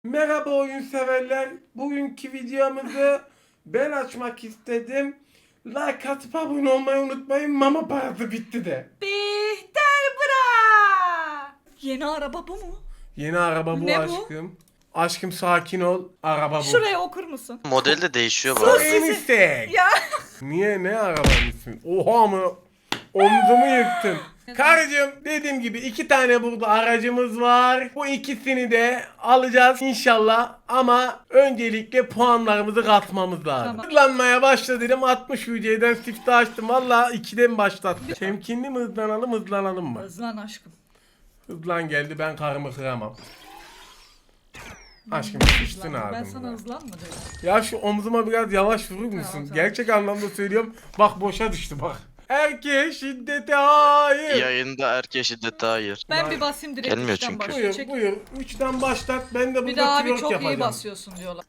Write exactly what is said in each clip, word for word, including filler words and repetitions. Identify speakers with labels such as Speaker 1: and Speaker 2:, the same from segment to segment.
Speaker 1: Merhaba oyun severler. Bugünkü videomuzu ben açmak istedim. Like atıp abone olmayı unutmayın. Mama parası bitti de.
Speaker 2: Bihter bra. Yeni araba bu mu?
Speaker 1: Yeni araba bu
Speaker 2: Ne bu?
Speaker 1: aşkım. Aşkım sakin ol. Araba bu.
Speaker 2: Şuraya okur musun?
Speaker 3: Model de değişiyor bu
Speaker 2: Sus.
Speaker 3: arada.
Speaker 1: En istek.
Speaker 2: Ya.
Speaker 1: Niye ne arabanın ismi? Oha mı? Omzumu yıktın. Karıcığım dediğim gibi iki tane burada aracımız var. Bu ikisini de alacağız inşallah. Ama öncelikle puanlarımızı katmamız lazım.
Speaker 2: Tamam.
Speaker 1: Hızlanmaya başladım. altmış U C'den sifte açtım. Valla ikiden başlattım. Temkinli mi hızlanalım hızlanalım mı?
Speaker 2: Hızlan aşkım.
Speaker 1: Hızlan geldi, ben karımı kıramam. Aşkım sıçtın
Speaker 2: Hızlan.
Speaker 1: abi.
Speaker 2: Ben sana hızlan mı dedim?
Speaker 1: Ya şu omzuma biraz yavaş vurur musun?
Speaker 2: Tamam, tamam.
Speaker 1: Gerçek anlamda söylüyorum. Bak boşa düştü bak. Erkeğe şiddete hayır.
Speaker 3: Yayında erkeğe şiddete hayır.
Speaker 2: Ben
Speaker 1: Vay.
Speaker 2: bir basayım direkt.
Speaker 3: Gelmiyor
Speaker 2: üçten
Speaker 3: çünkü.
Speaker 2: başlıyor.
Speaker 1: Buyur
Speaker 2: Çek.
Speaker 1: buyur. Üçten başlat. Ben de
Speaker 2: Bir
Speaker 1: burada
Speaker 2: daha abi
Speaker 1: twerk
Speaker 2: çok
Speaker 1: yapacağım.
Speaker 2: iyi basıyorsun diyorlar.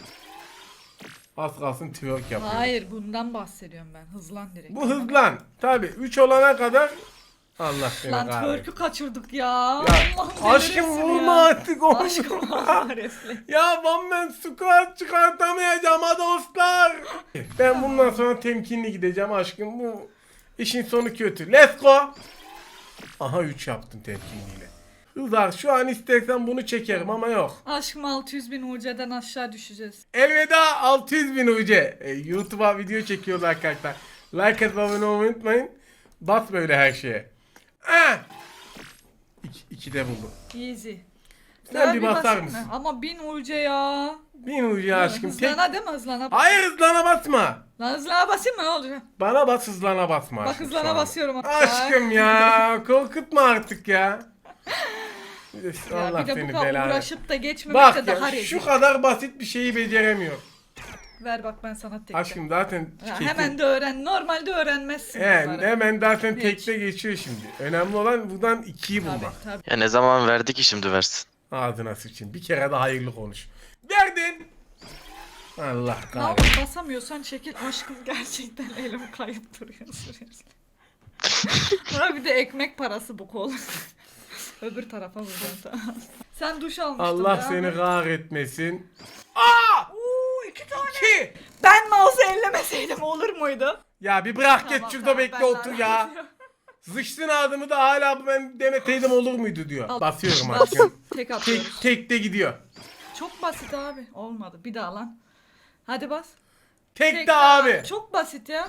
Speaker 1: Az kalsın twerk yapıyorum.
Speaker 2: Hayır bundan bahsediyorum ben. Hızlan direkt.
Speaker 1: Bu hızlan. Tabi üç olana kadar Allah seni
Speaker 2: Lan
Speaker 1: kahretsin.
Speaker 2: twerk'ü kaçırdık ya.
Speaker 1: Ya,
Speaker 2: Allah'ım
Speaker 1: aşkım
Speaker 2: delirirsin
Speaker 1: vurma
Speaker 2: ya.
Speaker 1: artık oğlum.
Speaker 2: Aşkım Allah refle.
Speaker 1: Ya ben ben squat çıkartamayacağım ha dostlar. Ben bundan sonra temkinli gideceğim aşkım. Bu işin sonu kötü. Let's go. Aha üç yaptım temkinliyle. Hızar şu an istersen bunu çekerim ama yok.
Speaker 2: Aşkım altı yüz bin U C'den aşağı düşeceğiz.
Speaker 1: Elveda altı yüz bin U C. E, YouTube'a video çekiyoruz arkadaşlar. Like atıp abone olmayı unutmayın. Bas böyle her şeye. Ah! İki, iki de buldum.
Speaker 2: Easy.
Speaker 1: Sen
Speaker 2: Daha
Speaker 1: bir basar
Speaker 2: basayım
Speaker 1: mısın?
Speaker 2: mı? Ama bin U C ya.
Speaker 1: Bin U C aşkım. Tek...
Speaker 2: Hızlana değil mi hızlana?
Speaker 1: Hayır hızlana basma.
Speaker 2: Lan hızlana basayım mı ne olacak?
Speaker 1: Bana bas hızlana basma
Speaker 2: Bak
Speaker 1: aşkım şu
Speaker 2: hızlana
Speaker 1: anda.
Speaker 2: basıyorum.
Speaker 1: Aşkım ya korkutma artık ya. Üf,
Speaker 2: Ya
Speaker 1: Allah
Speaker 2: bir de bu
Speaker 1: seni
Speaker 2: kadar
Speaker 1: belanı.
Speaker 2: uğraşıp da geçmemek
Speaker 1: Bak
Speaker 2: de daha
Speaker 1: ya
Speaker 2: rezil.
Speaker 1: şu kadar basit bir şeyi beceremiyor.
Speaker 2: Ver bak ben sana tekte.
Speaker 1: Aşkım zaten
Speaker 2: Ya
Speaker 1: kesin-
Speaker 2: hemen de öğren. Normalde öğrenmezsin.
Speaker 1: He,
Speaker 2: bunları.
Speaker 1: hemen zaten
Speaker 2: Geç.
Speaker 1: tekte geçiyor şimdi. Önemli olan buradan ikiyi
Speaker 2: Tabii
Speaker 1: bulmak.
Speaker 2: tabii.
Speaker 3: Ya ne zaman verdi ki şimdi versin.
Speaker 1: Ağzına sıçayım. Bir kere de hayırlı konuş. Verdin. Allah
Speaker 2: Ne
Speaker 1: kahretsin.
Speaker 2: yapayım basamıyorsan çekil. Aşkım gerçekten elim kayıp duruyor sürekli. Ha bir de ekmek parası bu kol. Öbür tarafa vuracağım tamam. Sen duş almıştın
Speaker 1: Allah
Speaker 2: ya.
Speaker 1: seni kahretmesin. Aa!
Speaker 2: Uuu iki tane.
Speaker 1: Ki!
Speaker 2: Ben mouse'u ellemeseydim olur muydu?
Speaker 1: Ya bir bırak
Speaker 2: Tamam,
Speaker 1: geç şurada
Speaker 2: tamam,
Speaker 1: bekle
Speaker 2: ben
Speaker 1: otur ya.
Speaker 2: lanet
Speaker 1: Zıçtın adımı da hala ben demeseydim olur muydu diyor.
Speaker 2: Al.
Speaker 1: Basıyorum
Speaker 2: Bas.
Speaker 1: aşkım.
Speaker 2: Tek
Speaker 1: Tek,
Speaker 2: atıyoruz.
Speaker 1: tek de gidiyor.
Speaker 2: Çok basit abi. Olmadı. Bir daha lan. Hadi bas.
Speaker 1: Tek,
Speaker 2: Tek
Speaker 1: de
Speaker 2: daha.
Speaker 1: abi.
Speaker 2: Çok basit ya.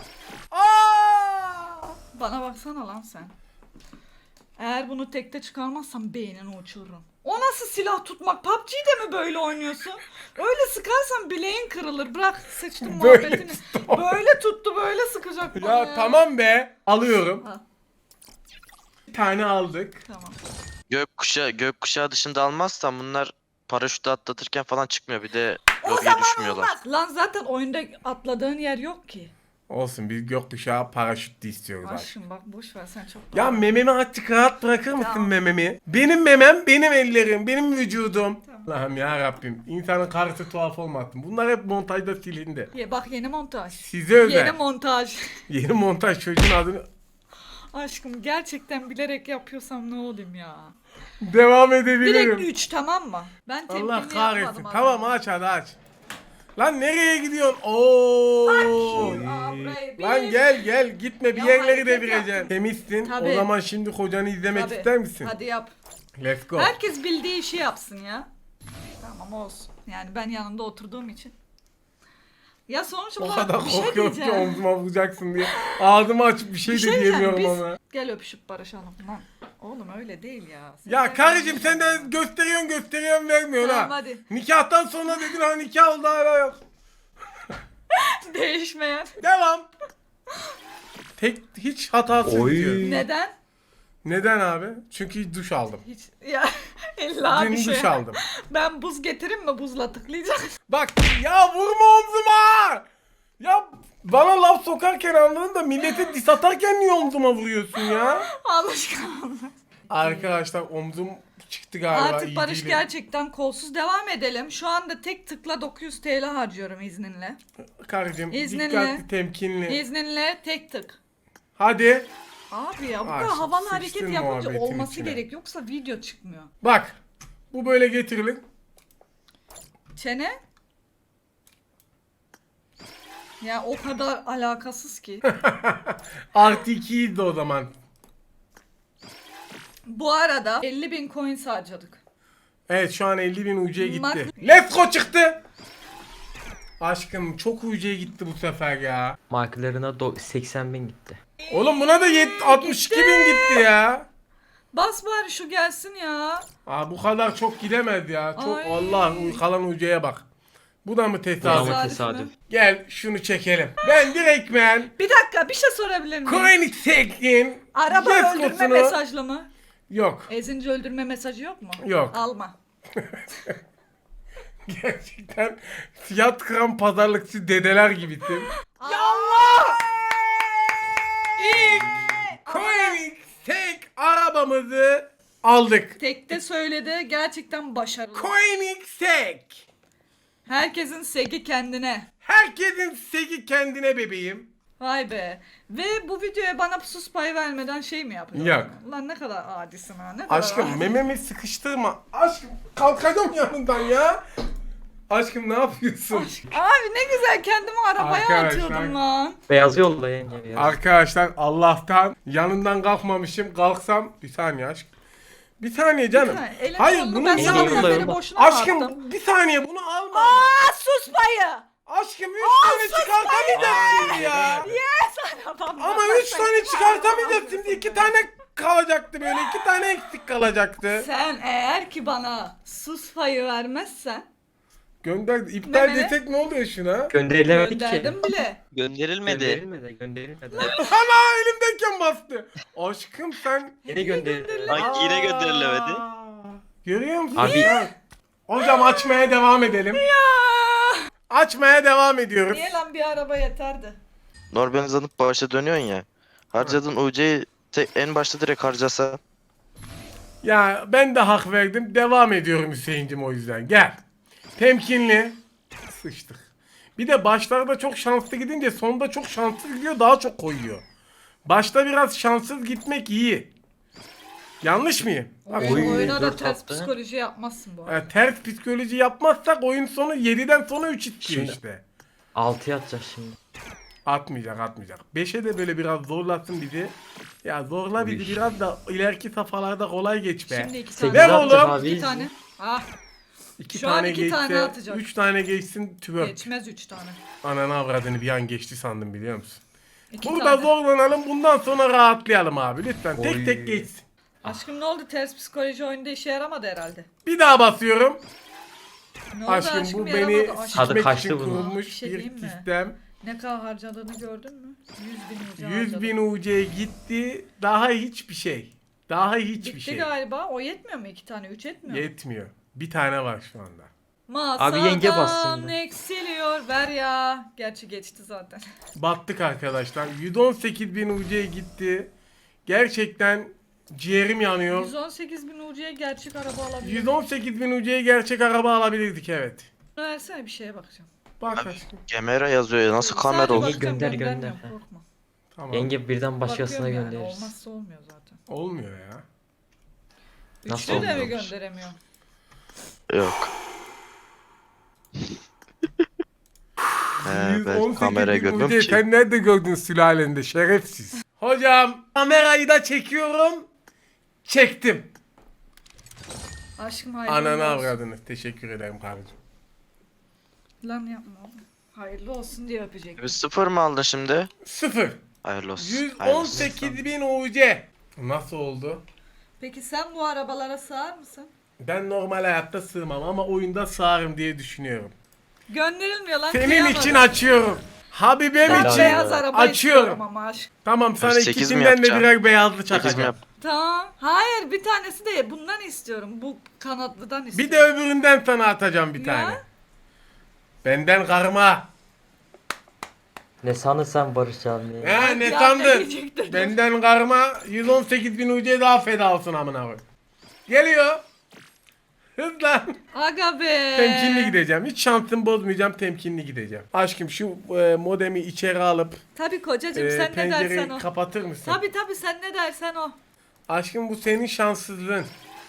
Speaker 1: Aa!
Speaker 2: Bana baksana lan sen. Eğer bunu tekte çıkarmazsam beynini uçururum. O nasıl silah tutmak? P U B G'de mi böyle oynuyorsun? Öyle sıkarsan bileğin kırılır. Bırak sıçtım
Speaker 1: Böyle
Speaker 2: muhabbetini.
Speaker 1: tuttu.
Speaker 2: Böyle tuttu böyle sıkacak bana
Speaker 1: Ya tamam be. Alıyorum.
Speaker 2: Al.
Speaker 1: Bir tane aldık.
Speaker 2: Tamam.
Speaker 3: Gökkuşağı, gökkuşağı dışında almazsan bunlar paraşütü atlatırken falan çıkmıyor. Bir de
Speaker 2: O
Speaker 3: lobiye
Speaker 2: zaman
Speaker 3: düşmüyorlar.
Speaker 2: olmaz. Lan zaten oyunda atladığın yer yok ki.
Speaker 1: Olsun biz gökkuşağı paraşütle istiyoruz artık.
Speaker 2: Aşkım bak boş ver sen çok
Speaker 1: Ya mememi açık rahat bırakır mısın
Speaker 2: Tamam.
Speaker 1: mememi? Benim memem, benim ellerim, benim vücudum.
Speaker 2: Tamam.
Speaker 1: Allah'ım ya Rabbim. İnsanın karısı tuhaf olmasın. Bunlar hep montajda silindi.
Speaker 2: Ye, bak yeni montaj.
Speaker 1: Size özel.
Speaker 2: Yeni
Speaker 1: Yeni,
Speaker 2: montaj.
Speaker 1: montaj çocuğun adını
Speaker 2: Aşkım gerçekten bilerek yapıyorsam ne olayım ya.
Speaker 1: devam
Speaker 2: Direkt
Speaker 1: edebilirim.
Speaker 2: üç tamam mı? Ben temkinli
Speaker 1: Allah
Speaker 2: yapmadım
Speaker 1: kahretsin.
Speaker 2: az
Speaker 1: Tamam
Speaker 2: önce.
Speaker 1: aç hadi aç. Lan nereye gidiyorsun? Oo.
Speaker 2: Aa, burayı
Speaker 1: Lan
Speaker 2: bir-
Speaker 1: gel gel gitme bir
Speaker 2: Ya
Speaker 1: yerleri
Speaker 2: hareket
Speaker 1: devireceksin.
Speaker 2: yaptım.
Speaker 1: Temizsin.
Speaker 2: Tabii.
Speaker 1: O zaman şimdi kocanı izlemek
Speaker 2: Tabii.
Speaker 1: ister misin?
Speaker 2: Hadi yap.
Speaker 1: Let's go.
Speaker 2: Herkes bildiği işi yapsın ya. Tamam olsun. Yani ben yanında oturduğum için. Ya sonuç
Speaker 1: O
Speaker 2: olarak
Speaker 1: kadar
Speaker 2: bir şey
Speaker 1: korkuyorum ki
Speaker 2: diyeceğim.
Speaker 1: omzuma vuracaksın diye. Ağzımı açıp bir şey
Speaker 2: Bir
Speaker 1: de
Speaker 2: şey diyeceğim.
Speaker 1: diyemiyorum
Speaker 2: Biz
Speaker 1: ama.
Speaker 2: gel öpüşüp barışalım lan. Oğlum öyle değil ya. Sen
Speaker 1: Ya
Speaker 2: de-
Speaker 1: karıcığım sen de gösteriyorsun gösteriyorsun vermiyorsun
Speaker 2: Tamam,
Speaker 1: ha.
Speaker 2: hadi.
Speaker 1: Nikahtan sonra dedin ha nikah oldu hala yok.
Speaker 2: Değişmeyen.
Speaker 1: Devam. Tek hiç hatasız
Speaker 4: Oy.
Speaker 1: diyor.
Speaker 2: Neden?
Speaker 1: Neden abi? Çünkü duş aldım.
Speaker 2: Hiç ya illa
Speaker 1: Dün
Speaker 2: bir şey.
Speaker 1: duş aldım.
Speaker 2: Ben buz getireyim mi buzla tıklayacağım.
Speaker 1: Bak ya vurma omzuma. Ya bana laf sokarken anladın da millete dis atarken niye omzuma vuruyorsun ya?
Speaker 2: Alışkanlık.
Speaker 1: Arkadaşlar omzum çıktı galiba.
Speaker 2: Artık
Speaker 1: iyi
Speaker 2: Barış
Speaker 1: değilim.
Speaker 2: gerçekten kolsuz devam edelim. Şu anda tek tıkla dokuz yüz T L harcıyorum izninle.
Speaker 1: Karıcığım
Speaker 2: İzninle.
Speaker 1: dikkatli temkinli.
Speaker 2: İzninle tek tık.
Speaker 1: Hadi.
Speaker 2: Abi ya bu
Speaker 1: Ay,
Speaker 2: kadar havalı
Speaker 1: sıçtın
Speaker 2: hareket yapınca
Speaker 1: muhabbetin
Speaker 2: olması
Speaker 1: içine.
Speaker 2: gerek. Yoksa video çıkmıyor.
Speaker 1: Bak. Bu böyle getirilir.
Speaker 2: Çene? Ya o kadar alakasız ki.
Speaker 1: Artı ikiydi o zaman.
Speaker 2: Bu arada elli bin coins harcadık.
Speaker 1: Evet şu an elli bin U C'ye gitti.
Speaker 2: Mak-
Speaker 1: Let's go çıktı. Aşkım çok U C'ye gitti bu sefer ya.
Speaker 4: Markalarına do- seksen bin gitti.
Speaker 1: Oğlum buna da yet- altmış iki bin gitti ya.
Speaker 2: Bas bari şu gelsin ya.
Speaker 1: Aa bu kadar çok gidemez ya. Çok
Speaker 2: Ay.
Speaker 1: Allah kalan U C'ye bak. Bu da mı
Speaker 4: Bu
Speaker 1: tesadüf?
Speaker 4: da mı
Speaker 2: Tesadüf
Speaker 4: tesadüf?
Speaker 2: mü?
Speaker 1: Gel şunu çekelim. Ben direktmen
Speaker 2: Bir dakika bir şey sorabilir miyim?
Speaker 1: Koenigsegg'in
Speaker 2: Araba
Speaker 1: yes
Speaker 2: öldürme
Speaker 1: kodunu-
Speaker 2: mesajlı mı?
Speaker 1: Yok.
Speaker 2: Ezince öldürme mesajı yok mu?
Speaker 1: Yok.
Speaker 2: Alma.
Speaker 1: Gerçekten fiyat kıran pazarlıkçı dedeler gibisin.
Speaker 2: Ya Allah!
Speaker 1: Koenigsegg arabamızı aldık.
Speaker 2: Tekte söyledi gerçekten başarılı.
Speaker 1: Koenigsegg.
Speaker 2: Herkesin segi kendine.
Speaker 1: Herkesin segi kendine bebeğim.
Speaker 2: Vay be. Ve bu videoya bana sus payı vermeden şey mi yapıyorsun?
Speaker 1: Yok.
Speaker 2: Lan ne kadar adisin ha. Ne kadar
Speaker 1: Aşkım
Speaker 2: adi.
Speaker 1: mememi sıkıştırma. Aşkım kalkacağım yanından ya. Aşkım ne yapıyorsun?
Speaker 2: Abi ne güzel kendimi arabaya
Speaker 1: Arkadaşlar-
Speaker 2: atıyordum lan.
Speaker 4: Beyaz yolla yenge. Beyaz.
Speaker 1: Arkadaşlar Allah'tan yanından kalkmamışım. Kalksam bir saniye aşk. Bir saniye canım.
Speaker 2: Ha, elini
Speaker 1: Hayır
Speaker 2: kolunu
Speaker 1: bunu
Speaker 2: ben
Speaker 1: niye
Speaker 2: sabahtan
Speaker 4: yolla,
Speaker 2: beri
Speaker 4: yolla.
Speaker 2: boşuna mı attım?
Speaker 1: Aşkım bir saniye bunu alma.
Speaker 2: Aa sus payı.
Speaker 1: Aşkım üç tane çıkartamayacağız ya.
Speaker 2: Arabam
Speaker 1: Ama üç tane çıkartamayacağız şimdi iki tane kalacaktı böyle iki tane eksik kalacaktı.
Speaker 2: Sen eğer ki bana sus payı vermezsen
Speaker 1: Gönder iptal
Speaker 2: Mehmet.
Speaker 1: desek ne oluyor şuna?
Speaker 4: Gönderilemedik ki.
Speaker 2: gönderdim bile.
Speaker 3: Gönderilmedi.
Speaker 4: Gönderilmedi. Gönderilmedi.
Speaker 1: Ana elimdeyken bastı. Aşkım sen.
Speaker 4: Yine gönderildi.
Speaker 3: Bak yine gönderilemedi.
Speaker 1: Aa, görüyor musun?
Speaker 4: Abi-
Speaker 1: Ya. Hocam açmaya devam edelim. Açmaya devam ediyoruz.
Speaker 2: Niye lan bir araba yeterdi.
Speaker 3: Normalizanıp başa dönüyorsun ya. Harcadığın U C'yi tek- en başta direkt harcasa.
Speaker 1: Ya ben de hak verdim. Devam ediyorum Hüseyin'cim o yüzden. Gel. Temkinli. Sıçtık. Bir de başlarda çok şanslı gidince sonda çok şanssız gidiyor daha çok koyuyor. Başta biraz şanssız gitmek iyi. Yanlış mıyım? Bak,
Speaker 2: Oyun,
Speaker 4: Oy,
Speaker 2: oyuna da
Speaker 4: dört
Speaker 2: ters
Speaker 4: attı.
Speaker 2: psikoloji yapmazsın bu arada.
Speaker 1: e, ters psikoloji yapmazsak oyun sonu yediden sonra üç istiyor
Speaker 4: Şimdi-
Speaker 1: işte.
Speaker 4: altıya atacağız şimdi.
Speaker 1: Atmayacak atmayacak. beşe de böyle biraz zorlasın bizi. Ya zorla bizi
Speaker 4: Uy.
Speaker 1: biraz da ileriki safhalarda kolay geç be.
Speaker 2: Şimdi iki
Speaker 4: Sekiz
Speaker 2: tane.
Speaker 1: Ver
Speaker 4: atacak
Speaker 1: oğlum.
Speaker 4: abi.
Speaker 2: İki tane. Ah
Speaker 1: iki
Speaker 2: şu an
Speaker 1: tane
Speaker 2: iki
Speaker 1: geçse,
Speaker 2: tane atacak.
Speaker 1: üç tane geçsin twerk.
Speaker 2: geçmez üç tane.
Speaker 1: Ananı avradını bir an geçti sandım biliyor musun?
Speaker 2: İki
Speaker 1: Burada
Speaker 2: tane.
Speaker 1: zorlanalım bundan sonra rahatlayalım abi lütfen. Tek
Speaker 4: Oy.
Speaker 1: tek geçsin.
Speaker 2: Aşkım ne oldu? Ters psikoloji oyunda işe yaramadı herhalde.
Speaker 1: Bir daha basıyorum.
Speaker 2: Ne oldu
Speaker 1: Aşkım,
Speaker 2: aşkım,
Speaker 1: bu
Speaker 2: yaramadı.
Speaker 1: beni
Speaker 2: Aşkım,
Speaker 4: Tadı
Speaker 1: sikmek
Speaker 4: kaçtı
Speaker 1: için
Speaker 4: bunun.
Speaker 1: kurulmuş
Speaker 2: Bir şey
Speaker 1: bir
Speaker 2: diyeyim mi?
Speaker 1: sistem.
Speaker 2: ne kadar harcadığını gördün mü? yüz bin ucu
Speaker 1: yüz bin U C gitti. Daha hiçbir şey. Daha hiçbir
Speaker 2: Bitti
Speaker 1: şey.
Speaker 2: galiba. O yetmiyor mu? İki tane. Üç etmiyor mu?
Speaker 1: Yetmiyor. Bir tane var şu anda.
Speaker 2: Masadan
Speaker 4: Abi yenge bassın be.
Speaker 2: eksiliyor. Ver ya. Gerçi geçti zaten.
Speaker 1: Battık arkadaşlar. yüz on sekiz bin U C gitti. Gerçekten ciğerim yanıyor.
Speaker 2: yüz on sekiz bin ucuya gerçek araba alabilir.
Speaker 1: yüz on sekiz bin U C'ye gerçek araba alabilirdik evet.
Speaker 2: Versene bir şeye bakacağım.
Speaker 1: Bak
Speaker 3: Abi,
Speaker 1: aşkım.
Speaker 3: Kamera yazıyor ya nasıl kamera
Speaker 2: Sadece
Speaker 3: olur?
Speaker 4: bak-
Speaker 2: bakacağım,
Speaker 4: Gönder,
Speaker 2: göndermiyorum,
Speaker 4: gönder.
Speaker 2: Korkma.
Speaker 1: Tamam.
Speaker 4: Yenge birden başkasına
Speaker 2: Bakıyorum yani,
Speaker 4: göndeririz.
Speaker 2: olmazsa olmuyor zaten.
Speaker 1: Olmuyor ya.
Speaker 4: Nasıl
Speaker 2: Üçlü de mi
Speaker 4: olmuyormuş?
Speaker 2: gönderemiyor?
Speaker 3: Yok. He, ben
Speaker 1: yüz on sekiz
Speaker 3: kamerayı
Speaker 1: bin
Speaker 3: görmüyorum
Speaker 1: U C,
Speaker 3: ki.
Speaker 1: sen nerede gördün sülalende şerefsiz. Hocam kamerayı da çekiyorum. Çektim.
Speaker 2: Aşkım hayırlı
Speaker 1: Ananı
Speaker 2: olsun.
Speaker 1: avradını. Teşekkür ederim kardeşim.
Speaker 2: Lan yapma oğlum. Hayırlı olsun diye öpecek.
Speaker 3: Bir sıfır mı aldın şimdi?
Speaker 1: Sıfır.
Speaker 3: Hayırlı olsun.
Speaker 1: yüz on
Speaker 3: hayırlı olsun.
Speaker 1: sekiz bin U C. Nasıl oldu?
Speaker 2: Peki sen bu arabalara sığar mısın?
Speaker 1: Ben normal hayatta sığmam ama oyunda sığarım diye düşünüyorum.
Speaker 2: Gönderilmiyor lan.
Speaker 1: Senin
Speaker 2: kıyamadım.
Speaker 1: için açıyorum. Habibem
Speaker 2: Ben
Speaker 4: Helal
Speaker 1: için
Speaker 2: beyaz araba istiyorum
Speaker 1: açıyorum.
Speaker 2: ama aşk.
Speaker 1: Tamam sana
Speaker 3: sekiz mi
Speaker 1: ikisinden de
Speaker 3: yapacaksın?
Speaker 1: birer beyazlı
Speaker 3: sekiz mi
Speaker 1: çakacağım.
Speaker 3: yap?
Speaker 2: Tamam. Hayır bir tanesi de bundan istiyorum. Bu kanatlıdan
Speaker 1: Bir
Speaker 2: istiyorum.
Speaker 1: de öbüründen sana atacağım bir
Speaker 2: Ya.
Speaker 1: tane. Benden karma.
Speaker 4: Ne sanırsan Barış abi.
Speaker 1: Ha ne
Speaker 2: Ya, ne
Speaker 1: sandın?
Speaker 2: diyecektin?
Speaker 1: Benden karma yüz on sekiz bin U C daha feda olsun amına koy. Geliyor. Hızla.
Speaker 2: Aga be.
Speaker 1: Temkinli gideceğim. Hiç şansımı bozmayacağım. Temkinli gideceğim. Aşkım şu e, modemi içeri alıp
Speaker 2: Tabii kocacığım
Speaker 1: e,
Speaker 2: sen ne dersen
Speaker 1: pencereyi
Speaker 2: o.
Speaker 1: kapatır mısın?
Speaker 2: Tabii tabii sen ne dersen o.
Speaker 1: Aşkım bu senin şanssızlığın.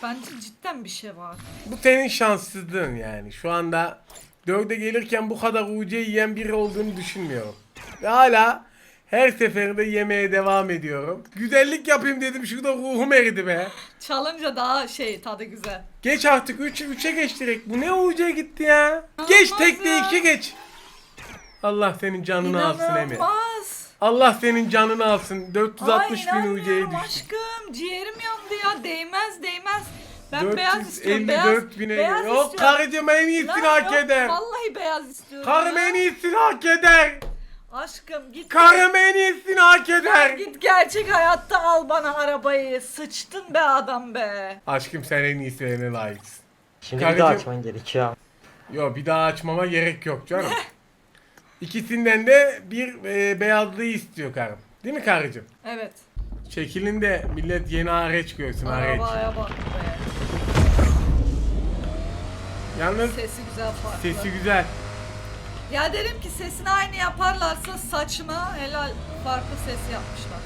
Speaker 2: Bence cidden bir şey var.
Speaker 1: Bu senin şanssızlığın yani. Şu anda dörde gelirken bu kadar U C yiyen biri olduğunu düşünmüyorum. Ve hala her seferinde yemeye devam ediyorum. Güzellik yapayım dedim, şurada ruhum eridi be.
Speaker 2: Çalınca daha şey tadı güzel.
Speaker 1: Geç artık üç üçe geç direkt. Bu ne U C gitti ya? Geç
Speaker 2: İnanılmaz
Speaker 1: tekte
Speaker 2: ya.
Speaker 1: iki geç. Allah senin canını alsın Emir.
Speaker 2: İnanılmaz.
Speaker 1: Allah senin canını alsın. dört yüz altmış
Speaker 2: Ay
Speaker 1: bin U C'ye
Speaker 2: inanmıyorum
Speaker 1: düştü.
Speaker 2: aşkım. Ciğerim yandı ya. Değmez değmez. Ben beyaz istiyorum.
Speaker 1: dört yüz elli dört
Speaker 2: Beyaz,
Speaker 1: bine
Speaker 2: beyaz
Speaker 1: geliyor. Yok
Speaker 2: istiyorum.
Speaker 1: karıcığım, en iyisini
Speaker 2: Lan
Speaker 1: hak
Speaker 2: yok,
Speaker 1: eder.
Speaker 2: Vallahi beyaz istiyorum.
Speaker 1: Karım
Speaker 2: ya.
Speaker 1: en iyisini hak eder.
Speaker 2: Aşkım git.
Speaker 1: Karım en iyisini hak
Speaker 2: Sen
Speaker 1: eder.
Speaker 2: git gerçek hayatta al bana arabayı. Sıçtın be adam be.
Speaker 1: Aşkım sen en iyisine layıksın.
Speaker 4: Şimdi bir
Speaker 1: Karıcığım-
Speaker 4: daha açman gerekiyor abi.
Speaker 1: Yo, bir daha açmama gerek yok canım. İkisinden de bir e, beyazlığı istiyor karım. Değil mi karıcığım?
Speaker 2: Evet.
Speaker 1: Çekilin de millet yeni areç görsün, areç.
Speaker 2: Arabaya bak be.
Speaker 1: Yalnız
Speaker 2: Sesi güzel farklı.
Speaker 1: sesi güzel.
Speaker 2: Ya derim ki sesini aynı yaparlarsa saçma helal farklı ses yapmışlar.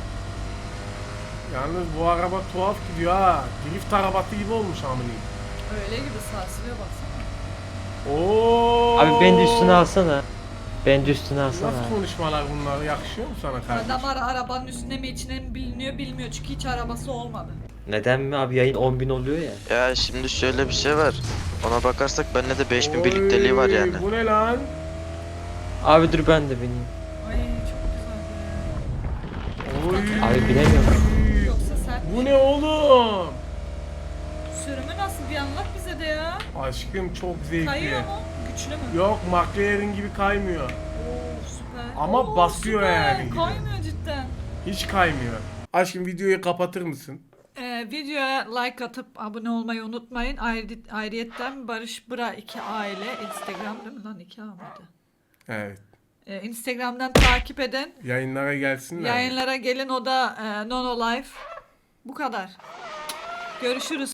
Speaker 1: Yalnız bu araba tuhaf gidiyor ha. Drift arabası gibi olmuş amına.
Speaker 2: Öyle gibi sarsılıyor baksana.
Speaker 1: Oo.
Speaker 4: Abi beni de üstüne alsana. Beni de üstüne alsana
Speaker 1: Nasıl
Speaker 4: abi.
Speaker 1: konuşmalar bunlar? Yakışıyor mu sana kardeşim?
Speaker 2: Adam ara arabanın üstüne mi içine mi biliniyor bilmiyor çünkü hiç arabası olmadı.
Speaker 4: Neden mi abi, yayın on bin oluyor ya.
Speaker 3: Ya şimdi şöyle bir şey var. Ona bakarsak bende de beş bin
Speaker 1: Oy,
Speaker 3: birlikteliği var yani.
Speaker 1: Bu ne lan?
Speaker 4: Abi dur ben de bineyim.
Speaker 2: Ay çok güzel be.
Speaker 1: Oy.
Speaker 4: Abi bilemiyorum.
Speaker 2: Yoksa sen
Speaker 1: Bu ne oğlum?
Speaker 2: sürümü nasıl bir anlat bize de ya.
Speaker 1: Aşkım çok zevkli.
Speaker 2: Kayıyor mu? Güçlü mü?
Speaker 1: Yok, McLaren gibi kaymıyor.
Speaker 2: Oo süper.
Speaker 1: Ama
Speaker 2: Oo,
Speaker 1: basıyor
Speaker 2: süper.
Speaker 1: yani.
Speaker 2: Kaymıyor cidden.
Speaker 1: Hiç kaymıyor. Aşkım videoyu kapatır mısın?
Speaker 2: Ee, videoya like atıp abone olmayı unutmayın. Ayrı, ayrıyetten Barış Bıra iki aile Instagram değil mi lan iki A mıydı?
Speaker 1: Evet.
Speaker 2: Ee, Instagram'dan takip edin.
Speaker 1: Yayınlara gelsinler.
Speaker 2: Yayınlara gelin o da e, Nono Life. Bu kadar. Görüşürüz.